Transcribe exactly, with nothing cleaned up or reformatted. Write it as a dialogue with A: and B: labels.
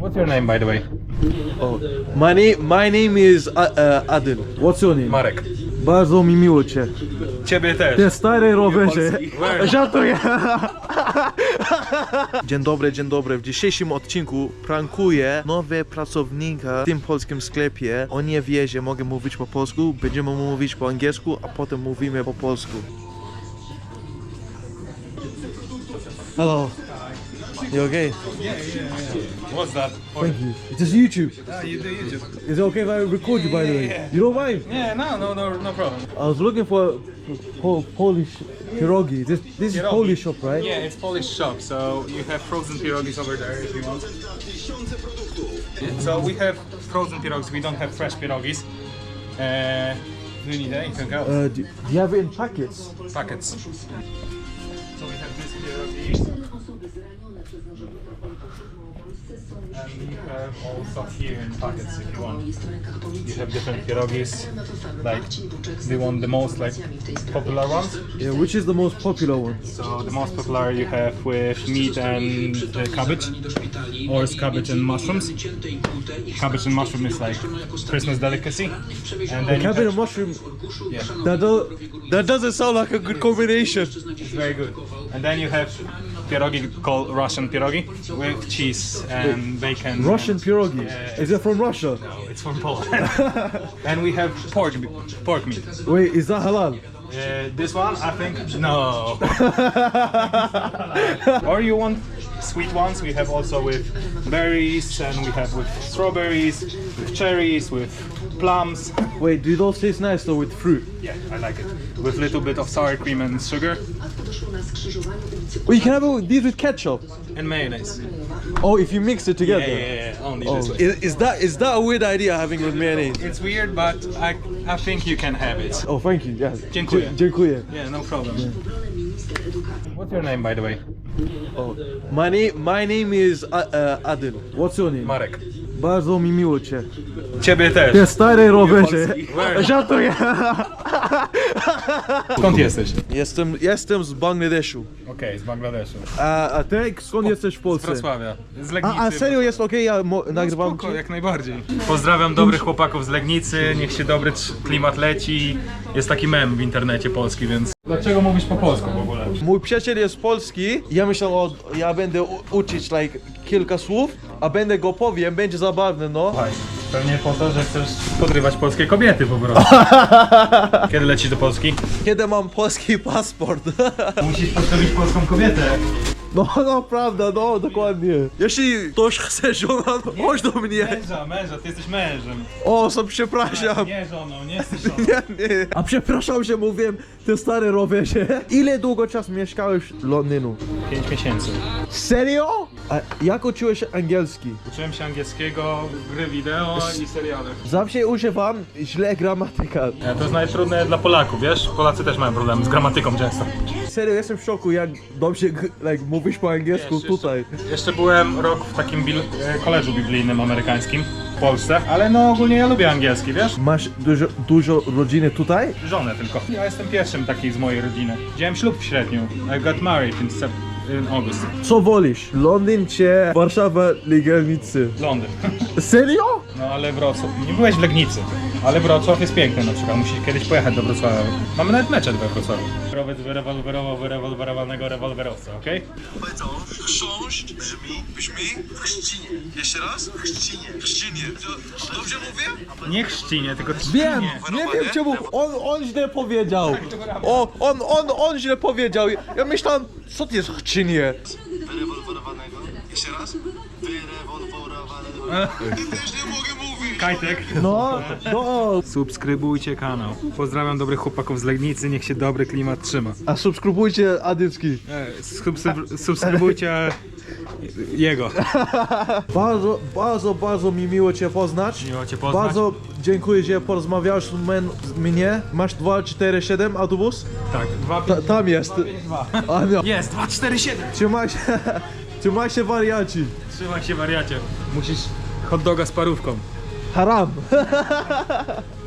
A: What's your name, by the way?
B: Oh, my name, my name is uh, uh, Adil. What's your name?
A: Marek.
B: Bardzo mi miło cię.
A: Ciebie też.
B: Te stare rowerze.
A: Where?
B: Żartuję. Dzień dobry, dzień dobry. W dzisiejszym odcinku prankuję nowe pracownika w tym polskim sklepie. On nie wie, że mogę mówić po polsku. Będziemy mówić po angielsku, a potem mówimy po polsku. Hello. You okay?
A: What's that?
B: Thank you. It's just YouTube.
A: Ah, you do YouTube.
B: Is it okay if I record you, by the way? You don't mind?
A: Yeah, no, no, no, no problem.
B: I was looking for po Polish pierogi. This this is
A: Pierogi.
B: Polish shop, right?
A: Yeah, it's Polish shop, so you have frozen pierogis over there if you want. So we have frozen pierogis, we don't have fresh pierogis. Uh, do you need anything else?
B: Uh, do, do you have it in packets?
A: Packets. So we have this pierogi. And you have also here in packets if you want. You have different pierogis. Like, do you want the most like popular ones?
B: Yeah, which is the most popular one?
A: So the most popular you have with meat and uh, cabbage, or is cabbage and mushrooms. Cabbage and mushroom is like Christmas delicacy. And then you
B: Cabbage and
A: have,
B: mushroom.
A: yeah,
B: That do, that doesn't sound like a good combination.
A: it's very good. And then you have pierogi called Russian pierogi with cheese and bacon.
B: Russian pierogi.
A: Yeah.
B: Is it from Russia?
A: No, it's from Poland. And we have pork pork meat.
B: Wait, is that halal?
A: Uh, this one, I think, no. Or you want sweet ones? We have also with berries, and we have with strawberries, with cherries, with plums.
B: Wait, do those taste nice though with fruit?
A: Yeah, I like it. With a little bit of sour cream and sugar
B: Well, you can have it with, these with ketchup.
A: and mayonnaise.
B: Oh, if you mix it
A: Yeah,
B: together.
A: yeah, yeah. Only
B: Oh,
A: this way.
B: is, is that is that a weird idea having with mayonnaise?
A: It's weird, but I I think you can have it.
B: Oh, thank you. Yeah.
A: Dziękuję.
B: Dzie- Dziękuję.
A: Yeah, no problem. What's your name, by the way?
B: Oh, my name, my name is uh, uh, Adil. What's your name?
A: Marek.
B: Bardzo mi miło cię.
A: Ciebie też.
B: Te stare rowerze.
A: Where?
B: Żartuję.
A: Skąd jesteś?
B: Jestem, jestem z Bangladeszu.
A: Okej, z Bangladeszu.
B: A, a ty skąd jesteś w
A: Z
B: Polsce?
A: Wrocławia. Z Legnicy.
B: A, a serio jest okej, ja mo- nagrywam
A: Spoko,
B: cię?
A: jak najbardziej. Pozdrawiam dobrych chłopaków z Legnicy, niech się dobry trz- klimat leci. Jest taki mem w internecie polski, więc... Dlaczego mówisz po polsku w ogóle?
B: Mój przyjaciel jest polski, ja myślę, o, ja będę u- uczyć like, kilka słów, a będę go powiem, będzie zabawne, no.
A: Słuchaj, pewnie po to, że chcesz podrywać polskie kobiety po prostu. Kiedy lecisz do Polski?
B: Kiedy mam polski paszport.
A: Musisz podstawić polską kobietę.
B: No, no, prawda, no, dokładnie. Jeśli ktoś chce żona, to chodź do mnie.
A: Męża, męża, ty jesteś mężem.
B: O, so przepraszam.
A: Nie żoną, nie jesteś żoną.
B: Nie, nie. A przepraszam, że mówiłem te stare rowerze. Ile długo czas mieszkałeś w Londynu?
A: Pięć miesięcy.
B: Serio? A jak uczyłeś angielski?
A: Uczyłem się angielskiego, gry wideo i seriale.
B: Zawsze używam źle gramatyka.
A: Ja, to jest najtrudniejsze dla Polaków, wiesz? Polacy też mają problemy z gramatyką często.
B: Serio, jestem w szoku, jak dobrze like, mówisz po angielsku
A: Wiesz,
B: tutaj.
A: Jeszcze, jeszcze byłem rok w takim bil- e, koledżu biblijnym amerykańskim w Polsce, ale no ogólnie ja lubię angielski, wiesz?
B: Masz dużo, dużo rodziny tutaj?
A: Żonę tylko. Ja jestem pierwszym takiej z mojej rodziny. Wziąłem ślub w sierpniu. I got married in, sep- in August.
B: Co wolisz? Londyn czy Warszawa, Legnicy?
A: Londyn.
B: Serio?
A: No ale Wrocław. Nie byłeś w Legnicy, ale Wrocław jest piękny na przykład. Musisz kiedyś pojechać do Wrocławia. Mamy nawet mecze we Wrocławiu. Rower wyrewolwerował wyrewolwerowanego rewolwerowca, okej?
C: Powiedzą, chrząszcz brzmi, brzmi w chrzcinie. Jeszcze raz? W chrzcinie. W chrzcinie. To- Dobrze mówię?
A: Nie chrzcinie, tylko
B: Wiem,
A: trzcinie.
B: nie wiem czemu on, on źle powiedział. O, on, on, on źle powiedział. Ja myślałem, co to jest chczynie?
C: Wyrewolwerowanego. Jeszcze raz? Wyrewolwerowanego. Też nie mogę mówić.
A: Kajtek.
B: No, no.
A: Subskrybujcie kanał. Pozdrawiam dobrych chłopaków z Legnicy, niech się dobry klimat trzyma.
B: A subskrybujcie Adycki.
A: E, subskryb- subskrybujcie jego.
B: Bardzo, bardzo, bardzo mi miło cię poznać.
A: Miło cię poznać.
B: Bardzo dziękuję, że porozmawiałeś z men- z mnie. Masz dwa cztery siedem autobus?
A: Tak, dwa
B: Ta, tam jest. A nie.
A: Jest, dwa cztery siedem.
B: Trzymaj się, trzymaj się wariaci.
A: Trzymaj się wariacie. Musisz hot doga z parówką.
B: Haram.